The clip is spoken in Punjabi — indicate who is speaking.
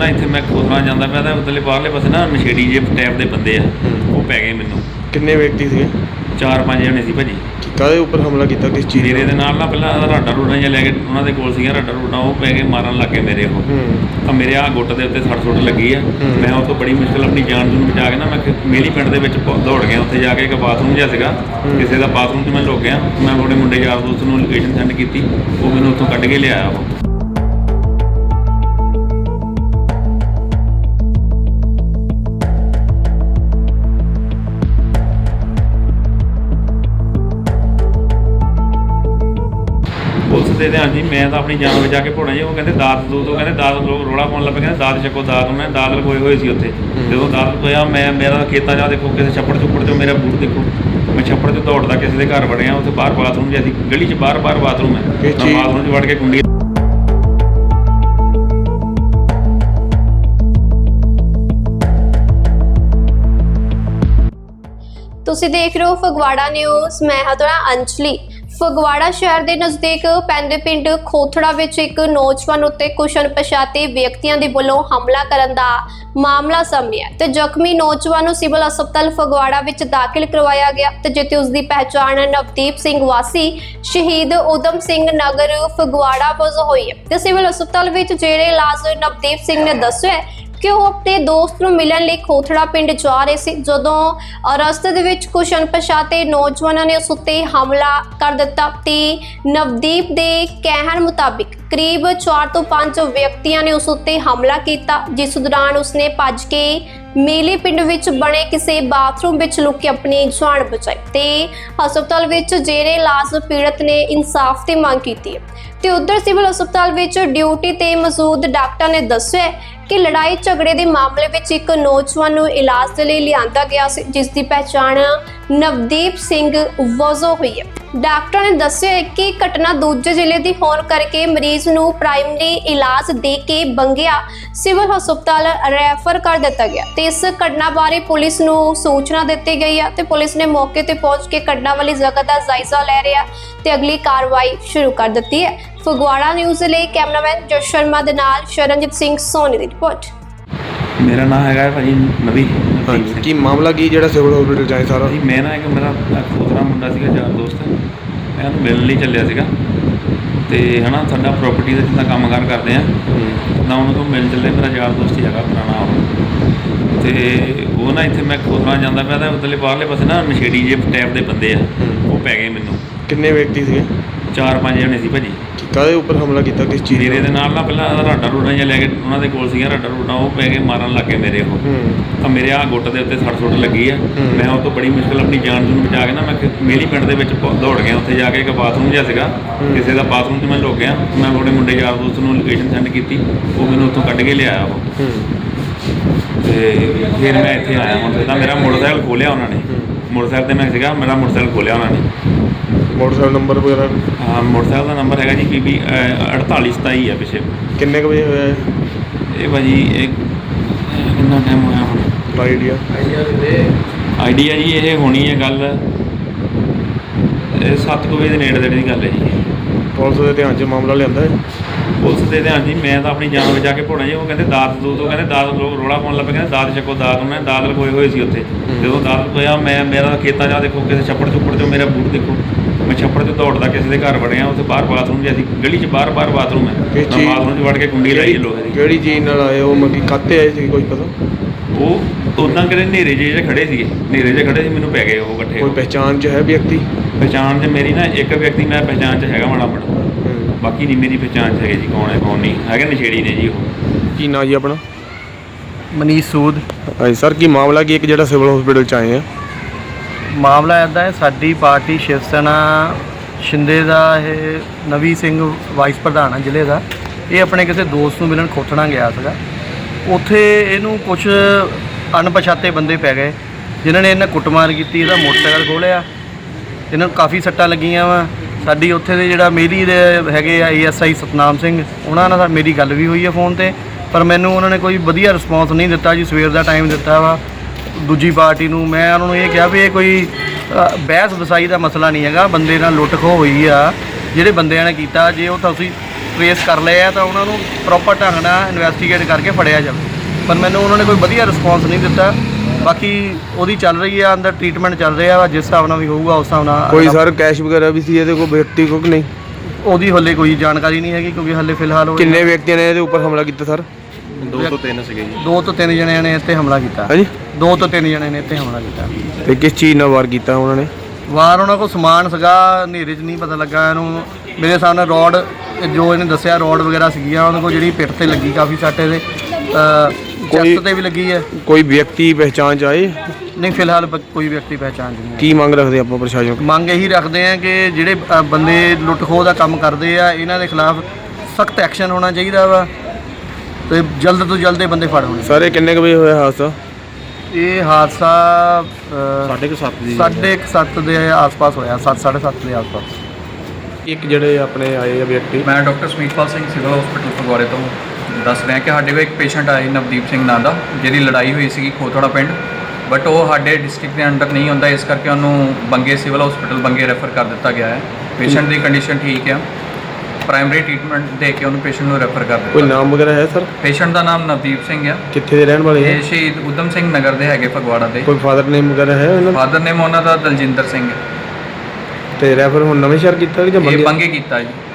Speaker 1: ना इत्थे मैं खोतना जांदा पिया तां उधरले बाहरले पासे ना नशेड़ी जे टाइप दे बंदे आ वो पै गए मैनूं।
Speaker 2: किन्ने व्यक्ति थे?
Speaker 1: 4-5 जने सी भाजी।
Speaker 2: काहदे उपर हमला किया? किस चीज़
Speaker 1: मेरे दे नाल ना पहलां राडां रूडां जिहा लै के उन्हां दे कोल सीगियां राडां रूडां वो पै गए मारन लग गए मेरे वो। ਤਾਂ ਮੇਰੇ ਆ ਗੁੱਟ ਦੇ ਉੱਤੇ ਸੱਟ ਸੁੱਟ ਲੱਗੀ ਆ। ਮੈਂ ਉਹ ਤੋਂ ਬੜੀ ਮੁਸ਼ਕਿਲ ਆਪਣੀ ਜਾਨ ਨੂੰ ਬਚਾ ਕੇ ਨਾ ਮੈਂ ਮੇਲੀ ਪਿੰਡ ਦੇ ਵਿੱਚ ਦੌੜ ਗਿਆ। ਉੱਥੇ ਜਾ ਕੇ ਇੱਕ ਬਾਥਰੂਮ ਜਿਹਾ ਸੀਗਾ, ਕਿਸੇ ਦਾ ਬਾਥਰੂਮ 'ਚ ਮੈਂ ਲੁਕ ਗਿਆ। ਮੈਂ ਆਪਣੇ ਮੁੰਡੇ ਯਾਰ ਦੋਸਤ ਨੂੰ ਲੋਕੇਸ਼ਨ ਸੈਂਡ ਕੀਤੀ, ਉਹ ਮੈਨੂੰ ਉੱਥੋਂ ਕੱਢ ਕੇ ਲਿਆਇਆ ਉਹ। ਪੁਲਿਸ ਦੇ ਧਿਆਨ ਜੀ ਮੈਂ ਤਾਂ ਆਪਣੀ ਜਾਨ ਬਚਾ ਕੇ ਭੋਣਾ ਜੀ। ਉਹ ਕਹਿੰਦੇ ਦਾਤ ਦੂਤ, ਉਹ ਕਹਿੰਦੇ ਦਾਤ ਲੋਕ ਰੌਲਾ ਪਾਉਣ ਲੱਗ ਪਏ, ਕਹਿੰਦੇ ਦਾਤ ਚੱਕੋ ਦਾਤ। ਉਹਨਾਂ ਨੇ ਦਾਤ ਲਗੋਏ ਹੋਏ ਸੀ ਉੱਥੇ। ਜਦੋਂ ਦਾਤ ਲਗੋਇਆ ਮੇਰਾ ਖੇਤਾਂ 'ਚ ਦੇਖੋ ਕਿਸੇ ਛੱਪੜ ਚੁੱਪੜ 'ਚੋਂ ਮੇਰਾ ਬੂਟ ਦੇਖੋ, ਮੈਂ ਛੱਪੜ 'ਚ ਦੌੜਦਾ ਕਿਸੇ ਦੇ ਘਰ ਵੜਿਆ। ਉੱਥੇ ਬਾਹਰ ਬਾਥਰੂਮ ਜਿਹਾ ਸੀ, ਗਲੀ 'ਚ ਬਾਹਰ ਬਾਥਰੂਮ ਹੈ। ਮੈਂ ਬਾਥਰੂਮ 'ਚ ਵੜ ਕੇ ਕੁੰਡੀ
Speaker 3: ਤੁਸੀਂ ਦੇਖ ਰਹੇ ਹੋ ਫਗਵਾੜਾ ਨਿਊਜ਼। ਮੈਂ ਹਾਂ ਤੁਹਾਡਾ ਅੰਜਲੀ। ਫਗਵਾੜਾ ਸ਼ਹਿਰ ਦੇ ਨਜ਼ਦੀਕ ਪੈਂਦੇ ਪਿੰਡ ਖੋਥੜਾ ਵਿੱਚ ਇੱਕ ਨੌਜਵਾਨ ਉੱਤੇ ਕੁਝ ਅਣਪਛਾਤੇ ਵਿਅਕਤੀਆਂ ਦੇ ਵੱਲੋਂ ਹਮਲਾ ਕਰਨ ਦਾ ਮਾਮਲਾ ਸਾਹਮਣੇ ਆਇਆ ਤੇ ਜ਼ਖਮੀ ਨੌਜਵਾਨ ਨੂੰ ਸਿਵਲ ਹਸਪਤਾਲ ਫਗਵਾੜਾ ਵਿੱਚ ਦਾਖਲ ਕਰਵਾਇਆ ਗਿਆ ਤੇ ਜਿੱਥੇ ਉਸ ਦੀ ਪਹਿਚਾਣ ਨਵਦੀਪ ਸਿੰਘ ਵਾਸੀ ਸ਼ਹੀਦ ਊਧਮ ਸਿੰਘ ਨਗਰ ਫਗਵਾੜਾ ਵਜੋਂ ਹੋਈ ਹੈ ਤੇ ਸਿਵਲ ਹਸਪਤਾਲ ਵਿੱਚ ਜਿਹੜੇ ਇਲਾਜ ਨਵਦੀਪ ਸਿੰਘ ਨੇ ਦੱਸਿਆ ਕਿ ਉਹ ਆਪਣੇ ਦੋਸਤ ਨੂੰ ਮਿਲਣ ਲਈ ਖੋਥੜਾ ਪਿੰਡ ਜਾ ਰਹੇ ਸੀ। ਜਦੋਂ ਰਸਤੇ ਦੇ ਵਿੱਚ ਕੁਝ ਅਣਪਛਾਤੇ ਨੌਜਵਾਨਾਂ ਨੇ ਉਸ ਉੱਤੇ ਹਮਲਾ ਕਰ ਦਿੱਤਾ ਤੇ ਨਵਦੀਪ ਦੇ ਕਹਿਣ ਮੁਤਾਬਿਕ ਕਰੀਬ 4 ਤੋਂ 5 ਵਿਅਕਤੀਆਂ ਨੇ ਉਸ ਉੱਤੇ ਹਮਲਾ ਕੀਤਾ, ਜਿਸ ਦੌਰਾਨ ਉਸਨੇ ਭੱਜ ਕੇ ਮੇਲੇ ਪਿੰਡ ਵਿੱਚ ਬਣੇ ਕਿਸੇ ਬਾਥਰੂਮ ਵਿੱਚ ਲੁਕ ਕੇ ਆਪਣੀ ਜਾਨ ਬਚਾਈ ਤੇ ਹਸਪਤਾਲ ਵਿੱਚ ਜਿਹੜੇ ਇਲਾਜ ਪੀੜਤ ਨੇ ਇਨਸਾਫ ਦੀ ਮੰਗ ਕੀਤੀ ਹੈ ਤੇ ਉਧਰ ਸਿਵਲ ਹਸਪਤਾਲ ਵਿੱਚ ਡਿਊਟੀ ਤੇ ਮੌਜੂਦ ਡਾਕਟਰ ਨੇ ਦੱਸਿਆ ਕਿ ਲੜਾਈ ਝਗੜੇ ਦੇ ਮਾਮਲੇ ਵਿੱਚ ਇੱਕ ਨੌਜਵਾਨ ਨੂੰ ਇਲਾਜ ਦੇ ਲਈ ਲਿਆਂਦਾ ਗਿਆ ਸੀ, ਜਿਸ ਦੀ ਪਹਿਚਾਣ ਨਵਦੀਪ ਸਿੰਘ ਵਜੋਂ ਹੋਈ ਹੈ। ਡਾਕਟਰ ਨੇ ਦੱਸਿਆ ਕਿ ਘਟਨਾ ਦੂਜੇ ਜ਼ਿਲ੍ਹੇ ਦੀ ਹੋਣ ਕਰਕੇ ਮਰੀਜ਼ ਨੂੰ ਪ੍ਰਾਇਮਰੀ ਇਲਾਜ ਦੇ ਕੇ ਬੰਗਿਆ ਸਿਵਲ ਹਸਪਤਾਲ ਰੈਫਰ ਕਰ ਦਿੱਤਾ ਗਿਆ ਤੇ ਇਸ ਘਟਨਾ ਬਾਰੇ ਪੁਲਿਸ ਨੂੰ ਸੂਚਨਾ ਦਿੱਤੀ ਗਈ ਹੈ ਤੇ ਪੁਲਿਸ ਨੇ ਮੌਕੇ ਤੇ ਪਹੁੰਚ ਕੇ ਘਟਨਾ ਵਾਲੀ ਜਗ੍ਹਾ ਦਾ ਜਾਇਜ਼ਾ ਲੈ ਰਿਹਾ ਤੇ ਅਗਲੀ ਕਾਰਵਾਈ ਸ਼ੁਰੂ ਕਰ ਦਿੱਤੀ ਹੈ। ਫਗਵਾੜਾ ਨਿਊਜ਼ ਲਈ ਕੈਮਰਾਮੈਨ ਜਸ ਸ਼ਰਮਾ ਦੇ ਨਾਲ ਸ਼ਰਨਜੀਤ ਸਿੰਘ ਸੋਨੀ ਦੀ ਰਿਪੋਰਟ।
Speaker 1: ਮੇਰਾ ਨਾਮ ਹੈਗਾ ਭਾਜੀ ਨਵੀ।
Speaker 2: ਕੀ ਮਾਮਲਾ ਕੀ ਜਿਹੜਾ ਸਿਵਲ ਹਸਪੀਟਲ ਜਾਏ ਸਾਰਾ?
Speaker 1: ਜੀ ਮੈਂ ਨਾ ਇੱਕ ਮੇਰਾ ਖੋਦਰਾ ਮੁੰਡਾ ਸੀਗਾ ਯਾਰ ਦੋਸਤ, ਮੈਂ ਉਹਨੂੰ ਮਿਲਣ ਲਈ ਚੱਲਿਆ ਸੀਗਾ ਤੇ ਹਨਾ ਸਾਡਾ ਪ੍ਰੋਪਰਟੀ ਦਾ ਜਿੱਦਾਂ ਕੰਮਕਾਰ ਕਰਦੇ ਆ ਤਾਂ ਉਹਨਾਂ ਤੋਂ ਮਿਲ ਚੱਲੇ। ਮੇਰਾ ਯਾਰ ਦੋਸਤ ਹੀ ਹੈਗਾ ਪੁਰਾਣਾ ਉਹ, ਤੇ ਉਹ ਨਾ ਇੱਥੇ ਮੈਂ ਖੋਦਰਾ ਜਾਂਦਾ ਪਿਆ ਤਾਂ ਉਧਰਲੇ ਬਾਹਰਲੇ ਪਾਸੇ ਨਾ ਨਸ਼ੇੜੀ ਜੇ ਟਾਈਪ ਦੇ ਬੰਦੇ ਆ ਉਹ ਪੈ ਗਏ ਮੈਨੂੰ।
Speaker 2: ਕਿੰਨੇ ਵਿਅਕਤੀ ਸੀਗੇ?
Speaker 1: 4-5 ਜਣੇ ਸੀ ਭਾਜੀ।
Speaker 2: ਕਾਹਦੇ ਉੱਪਰ ਹਮਲਾ ਕੀਤਾ? ਕਿਸ ਚੀਜ਼?
Speaker 1: ਮੇਰੇ ਦੇ ਨਾਲ ਨਾ ਪਹਿਲਾਂ ਰਾਡਾਂ ਰੂਡਾਂ ਜਿਹਾ ਲੈ ਕੇ ਉਹਨਾਂ ਦੇ ਕੋਲ ਸੀਗੀਆਂ ਰਾਡਾਂ ਰੂਡਾਂ, ਉਹ ਪੈ ਕੇ ਮਾਰਨ ਲੱਗ ਗਏ ਮੇਰੇ ਉਹ। ਤਾਂ ਮੇਰੇ ਆ ਗੁੱਟ ਦੇ ਉੱਤੇ ਸੱਟ ਸੁੱਟ ਲੱਗੀ ਆ। ਮੈਂ ਉਹ ਤੋਂ ਬੜੀ ਮੁਸ਼ਕਿਲ ਆਪਣੀ ਜਾਨ ਨੂੰ ਬਚਾ ਕੇ ਨਾ ਮੈਂ ਮੇਲੀ ਪਿੰਡ ਦੇ ਵਿੱਚ ਦੌੜ ਗਿਆ। ਉੱਥੇ ਜਾ ਕੇ ਇੱਕ ਬਾਥਰੂਮ ਜਿਹਾ ਸੀਗਾ, ਕਿਸੇ ਦਾ ਬਾਥਰੂਮ 'ਚ ਮੈਂ ਲੁਕ ਗਿਆ। ਮੈਂ ਆਪਣੇ ਮੁੰਡੇ ਯਾਰ ਦੋਸਤ ਨੂੰ ਲੋਕੇਸ਼ਨ ਸੈਂਡ ਕੀਤੀ, ਉਹ ਮੈਨੂੰ ਉੱਥੋਂ ਕੱਢ ਕੇ ਲਿਆਇਆ ਉਹ। ਤੇ ਫਿਰ ਮੈਂ ਇੱਥੇ ਆਇਆ। ਹੁਣ ਤਾਂ ਮੇਰਾ ਮੋਟਰਸਾਈਕਲ ਖੋਲਿਆ ਉਹਨਾਂ ਨੇ, ਮੋਟਰਸਾਈਕਲ 'ਤੇ ਮੈਂ ਸੀਗਾ, ਮੇਰਾ ਮੋਟਰਸਾਈਕਲ ਖੋਲਿਆ ਉਹਨਾਂ ਨੇ।
Speaker 2: ਮੋਟਰਸਾਈਕਲ ਨੰਬਰ ਵਗੈਰਾ?
Speaker 1: ਹਾਂ ਮੋਟਰਸਾਈਕਲ ਦਾ ਨੰਬਰ ਹੈਗਾ ਜੀ PB 4827 ਆ ਪਿੱਛੇ।
Speaker 2: ਕਿੰਨੇ ਕੁ ਵਜੇ ਹੋਇਆ
Speaker 1: ਇਹ ਭਾਜੀ? ਇਹ ਕਿੰਨਾ ਟਾਈਮ ਹੋਇਆ ਹੁਣ?
Speaker 2: ਆਈਡੀਆ
Speaker 1: ਜੀ ਇਹ ਹੋਣੀ ਹੈ ਗੱਲ 7 ਵਜੇ ਦੇ ਨੇੜੇ ਦੀ ਗੱਲ ਹੈ ਜੀ।
Speaker 2: ਪੁਲਿਸ ਦੇ ਧਿਆਨ 'ਚ ਮਾਮਲਾ ਲਿਆਂਦਾ ਹੈ?
Speaker 1: ਪੁਲਿਸ ਦੇ ਧਿਆਨ ਜੀ ਮੈਂ ਤਾਂ ਆਪਣੀ ਜਾਨ ਬਚਾ ਕੇ ਭੋਣਾ ਜੀ। ਉਹ ਕਹਿੰਦੇ ਦਾਤ ਦੂਤ, ਉਹ ਕਹਿੰਦੇ ਦਾਤ ਲੋਕ ਰੌਲਾ ਪਾਉਣ ਲੱਗ ਪਏ, ਕਹਿੰਦੇ ਦਾਤ ਚੱਕੋ ਦਾਤ। ਉਹਨਾਂ ਨੇ ਦਾਤ ਲਗੋਏ ਹੋਏ ਸੀ ਉੱਥੇ। ਜਦੋਂ ਦਾਤ ਲਗੋਇਆ ਮੇਰਾ ਖੇਤਾਂ 'ਚ ਦੇਖੋ ਕਿਸੇ ਛੱਪੜ ਚੁੱਪੜ 'ਚੋਂ ਮੇਰਾ ਬੂਟ ਦੇਖੋ, ਮੈਂ ਛੱਪੜ 'ਚ ਦੌੜਦਾ ਕਿਸੇ ਦੇ ਘਰ ਵੜਿਆ। ਉੱਥੇ ਬਾਹਰ ਬਾਥਰੂਮ ਜਿਹਾ ਸੀ, ਗਲੀ 'ਚ ਬਾਹਰ ਬਾਥਰੂਮ ਹੈ। ਮੈਂ ਬਾਥਰੂਮ 'ਚ ਵੜ ਕੇ ਕੁੰਡੀ ਲਾਈ ਲੋਹੇ ਦੀ।
Speaker 2: ਕਿਹੜੀ ਚੀਜ਼ ਨਾਲ ਆਏ ਉਹ? ਮੱਕੀ ਕਾਤੇ ਆਏ ਸੀ ਕੋਈ ਪਤਾ?
Speaker 1: ਉਹ ਉੱਦਾਂ ਕਿਤੇ ਹਨੇਰੇ ਜਿਹੇ ਖੜੇ ਸੀਗੇ, ਹਨੇਰੇ ਜਿਹੇ ਖੜੇ ਸੀ, ਮੈਨੂੰ ਪੈ ਗਏ ਉਹ ਇਕੱਠੇ।
Speaker 2: ਕੋਈ ਪਹਿਚਾਣ 'ਚ ਹੈ ਵਿਅਕਤੀ?
Speaker 1: ਪਹਿਚਾਣ 'ਚ ਮੇਰੀ ਨਾ ਇੱਕ ਵਿਅਕਤੀ ਮੈਂ ਪਹਿਚਾਣ 'ਚ ਹੈਗਾ ਮਾੜਾ ਮਾੜਾ, ਬਾਕੀ ਨਹੀਂ ਮੇਰੀ ਪਹਿਚਾਣ 'ਚ ਹੈਗੇ ਜੀ। ਕੌਣ ਹੈ ਕੌਣ ਨਹੀਂ ਹੈਗੇ, ਨਸ਼ੇੜੀ ਨੇ ਜੀ ਉਹ।
Speaker 2: ਕੀ ਨਾਂ ਜੀ ਆਪਣਾ?
Speaker 4: ਮਨੀਸ਼ ਸੂਦ।
Speaker 2: ਹਾਂਜੀ ਸਰ, ਕੀ ਮਾਮਲਾ ਕੀ ਇੱਕ ਜਿਹੜਾ ਸਿਵਲ ਹਸਪੀਟਲ 'ਚ ਆਏ ਆ?
Speaker 4: ਮਾਮਲਾ ਇੱਦਾਂ ਹੈ, ਸਾਡੀ ਪਾਰਟੀ ਸ਼ਿਵ ਸੈਨਾ ਸ਼ਿੰਦੇ ਦਾ ਇਹ ਨਵੀ ਸਿੰਘ ਵਾਈਸ ਪ੍ਰਧਾਨ ਆ ਜ਼ਿਲ੍ਹੇ ਦਾ। ਇਹ ਆਪਣੇ ਕਿਸੇ ਦੋਸਤ ਨੂੰ ਮਿਲਣ ਖੋਥਣਾ ਗਿਆ ਸੀਗਾ। ਉੱਥੇ ਇਹਨੂੰ ਕੁਝ ਅਣਪਛਾਤੇ ਬੰਦੇ ਪੈ ਗਏ ਜਿਨ੍ਹਾਂ ਨੇ ਇਹਨਾਂ ਕੁੱਟਮਾਰ ਕੀਤੀ। ਇਹਦਾ ਮੋਟਰਸਾਈਕਲ ਖੋਲ੍ਹਿਆ, ਇਹਨਾਂ ਨੂੰ ਕਾਫੀ ਸੱਟਾਂ ਲੱਗੀਆਂ ਵਾ। ਸਾਡੀ ਉੱਥੇ ਦੇ ਜਿਹੜਾ ਮੇਲੀ ਦੇ ਹੈਗੇ ਆ ASI ਸਤਨਾਮ ਸਿੰਘ, ਉਹਨਾਂ ਨਾਲ ਮੇਰੀ ਗੱਲ ਵੀ ਹੋਈ ਹੈ ਫ਼ੋਨ 'ਤੇ, ਪਰ ਮੈਨੂੰ ਉਹਨਾਂ ਨੇ ਕੋਈ ਵਧੀਆ ਰਿਸਪੌਂਸ ਨਹੀਂ ਦਿੱਤਾ ਜੀ। ਸਵੇਰ ਦਾ ਟਾਈਮ ਦਿੱਤਾ ਵਾ ਦੂਜੀ ਪਾਰਟੀ ਨੂੰ। ਮੈਂ ਉਹਨਾਂ ਨੂੰ ਇਹ ਕਿਹਾ ਵੀ ਇਹ ਕੋਈ ਬਹਿਸ ਵਸਾਈ ਦਾ ਮਸਲਾ ਨਹੀਂ ਹੈਗਾ, ਬੰਦੇ ਨਾਲ ਲੁੱਟ ਖੋਹ ਹੋਈ ਆ ਜਿਹੜੇ ਬੰਦਿਆਂ ਨੇ ਕੀਤਾ। ਜੇ ਉਹ ਤੁਸੀਂ ਟ੍ਰੇਸ ਕਰ ਲਏ ਆ ਤਾਂ ਉਹਨਾਂ ਨੂੰ ਪ੍ਰੋਪਰ ਢੰਗ ਨਾਲ ਇਨਵੈਸਟੀਗੇਟ ਕਰਕੇ ਫੜਿਆ ਜਾਵੇ। ਪਰ ਮੈਨੂੰ ਉਹਨਾਂ ਨੇ ਕੋਈ ਵਧੀਆ ਰਿਸਪੌਂਸ ਨਹੀਂ ਦਿੱਤਾ। ਬਾਕੀ ਉਹਦੀ ਚੱਲ ਰਹੀ ਆ, ਅੰਦਰ ਟ੍ਰੀਟਮੈਂਟ ਚੱਲ ਰਿਹਾ ਵਾ, ਜਿਸ ਹਿਸਾਬ ਨਾਲ ਵੀ ਹੋਊਗਾ ਉਸ ਹਿਸਾਬ ਨਾਲ।
Speaker 2: ਕੋਈ ਸਰ ਕੈਸ਼ ਵਗੈਰਾ ਵੀ ਸੀ ਇਹਦੇ ਕੋਲ ਵਿਅਕਤੀ ਕੋਲ ਕਿ ਨਹੀਂ?
Speaker 4: ਉਹਦੀ ਹਲੇ ਕੋਈ ਜਾਣਕਾਰੀ ਨਹੀਂ ਹੈਗੀ ਕਿਉਂਕਿ ਹਲੇ ਫਿਲਹਾਲ ਉਹ
Speaker 2: ਕਿੰਨੇ ਵਿਅਕਤੀਆਂ ਨੇ ਇਹਦੇ ਉੱਪਰ ਹਮਲਾ ਕੀਤਾ ਸਰ?
Speaker 4: 2 ਤੋਂ 3 ਸੀਗੇ ਜੀ। 2 ਤੋਂ 3 ਜਣਿਆਂ ਨੇ ਇੱਥੇ ਹਮਲਾ ਕੀਤਾ।
Speaker 2: ਹਾਂਜੀ
Speaker 4: 2 ਤੋਂ 3 ਜਣਿਆਂ ਨੇ ਇੱਥੇ ਹਮਲਾ ਕੀਤਾ।
Speaker 2: ਤੇ ਕਿਸ ਚੀਜ਼ ਨਾਲ ਵਾਰ ਕੀਤਾ ਉਹਨਾਂ ਨੇ?
Speaker 4: ਵਾਰ ਉਹਨਾਂ ਕੋਲ ਸਮਾਨ ਸੀਗਾ, ਹਨੇਰੇ 'ਚ ਨਹੀਂ ਪਤਾ ਲੱਗਾ ਇਹਨੂੰ। ਮੇਰੇ ਸਾਹਮਣੇ ਰੋਡ, ਜੋ ਇਹਨੇ ਦੱਸਿਆ ਰੋਡ ਵਗੈਰਾ ਸੀਗੀਆਂ ਉਹਨਾਂ ਕੋਲ, ਜਿਹੜੀ ਪਿੱਠ ਤੇ ਲੱਗੀ ਕਾਫੀ ਸੱਟ, ਇਹਦੇ ਚੈਸਟ ਤੇ ਵੀ ਲੱਗੀ ਹੈ।
Speaker 2: ਕੋਈ ਵਿਅਕਤੀ ਪਹਿਚਾਣ ਚ ਆਏ?
Speaker 4: ਨਹੀਂ ਫਿਲਹਾਲ ਕੋਈ ਵਿਅਕਤੀ ਪਹਿਚਾਣ 'ਚ ਨਹੀਂ ਹੈ।
Speaker 2: ਕੀ ਮੰਗ ਰੱਖਦੇ ਆਪਾਂ ਪ੍ਰਸ਼ਾਸਨ ਕੋਲ?
Speaker 4: ਮੰਗ ਇਹੀ ਰੱਖਦੇ ਆ ਕਿ ਜਿਹੜੇ ਬੰਦੇ ਲੁੱਟ ਖੋਹ ਦਾ ਕੰਮ ਕਰਦੇ ਆ, ਇਹਨਾਂ ਦੇ ਖਿਲਾਫ ਸਖਤ ਐਕਸ਼ਨ ਹੋਣਾ ਚਾਹੀਦਾ ਵਾ ਤੇ ਜਲਦ ਤੋਂ ਜਲਦ ਇਹ ਬੰਦੇ ਫੜ ਹੋਣੇ।
Speaker 2: ਸਰ ਇਹ ਕਿੰਨੇ ਕੁ ਵਜੇ ਹੋਇਆ ਹਾਦਸਾ?
Speaker 4: ਇਹ ਹਾਦਸਾ 7:30 ਦੇ ਆਸ-ਪਾਸ ਹੋਇਆ, 7:30 ਦੇ ਆਸ-ਪਾਸ।
Speaker 2: ਇੱਕ ਜਿਹੜੇ ਆਪਣੇ ਆਏ ਆ ਵਿਅਕਤੀ,
Speaker 5: ਮੈਂ doctor Samitpal Singh civil hospital ਫਗਵਾੜੇ ਤੋਂ ਦੱਸ ਰਿਹਾ ਕਿ ਸਾਡੇ ਕੋਲ ਇੱਕ ਪੇਸ਼ੈਂਟ ਆਏ ਨਵਦੀਪ ਸਿੰਘ ਨਾਂ ਦਾ, ਜਿਹਦੀ ਲੜਾਈ ਹੋਈ ਸੀਗੀ ਖੋਥੜਾ ਪਿੰਡ, ਬਟ ਉਹ ਸਾਡੇ ਡਿਸਟ੍ਰਿਕਟ ਦੇ ਅੰਡਰ ਨਹੀਂ ਹੁੰਦਾ, ਇਸ ਕਰਕੇ ਉਹਨੂੰ ਬੰਗੇ ਸਿਵਲ ਹਸਪੀਟਲ ਬੰਗੇ ਰੈਫਰ ਕਰ ਦਿੱਤਾ ਗਿਆ ਹੈ। ਪੇਸ਼ੈਂਟ ਦੀ ਕੰਡੀਸ਼ਨ ਠੀਕ ਹੈ, ਪ੍ਰਾਇਮਰੀ ਟ੍ਰੀਟਮੈਂਟ ਦੇ ਕੇ ਉਹਨੂੰ ਪੇਸ਼ੈਂਟ ਨੂੰ ਰੈਫਰ ਕਰ
Speaker 2: ਕੋਈ
Speaker 5: ਦਿੱਤਾ।
Speaker 2: ਨਾਮ ਵਗੈਰਾ ਹੈ ਸਰ?
Speaker 5: ਪੇਸ਼ੈਂਟ ਦਾ ਨਾਮ ਨਵਦੀਪ ਸਿੰਘ ਹੈ।
Speaker 2: ਕਿੱਥੇ ਦੇ ਰਹਿਣ ਵਾਲੇ ਹੈ?
Speaker 5: ਇਹ ਸ਼ਹੀਦ ਊਧਮ ਸਿੰਘ ਨਗਰ ਦੇ ਹੈਗੇ ਫਗਵਾੜਾ ਦੇ।
Speaker 2: ਕੋਈ ਫਾਦਰ ਨੇਮ ਵਗੈਰਾ ਹੈ ਇਹਨਾਂ ਦਾ?
Speaker 5: ਫਾਦਰ ਨੇਮ ਉਹਨਾਂ ਦਾ ਦਲਜਿੰਦਰ ਸਿੰਘ ਹੈ।
Speaker 2: ਤੇ ਰੈਫਰ ਹੁਣ ਨਵੇਂ ਸ਼ਹਿਰ ਕੀਤਾ ਕਿ ਜਾਂ
Speaker 5: ਇਹ
Speaker 2: ਬੰਗੇ?
Speaker 5: ਬੰਗੇ ਕੀਤਾ ਜੀ।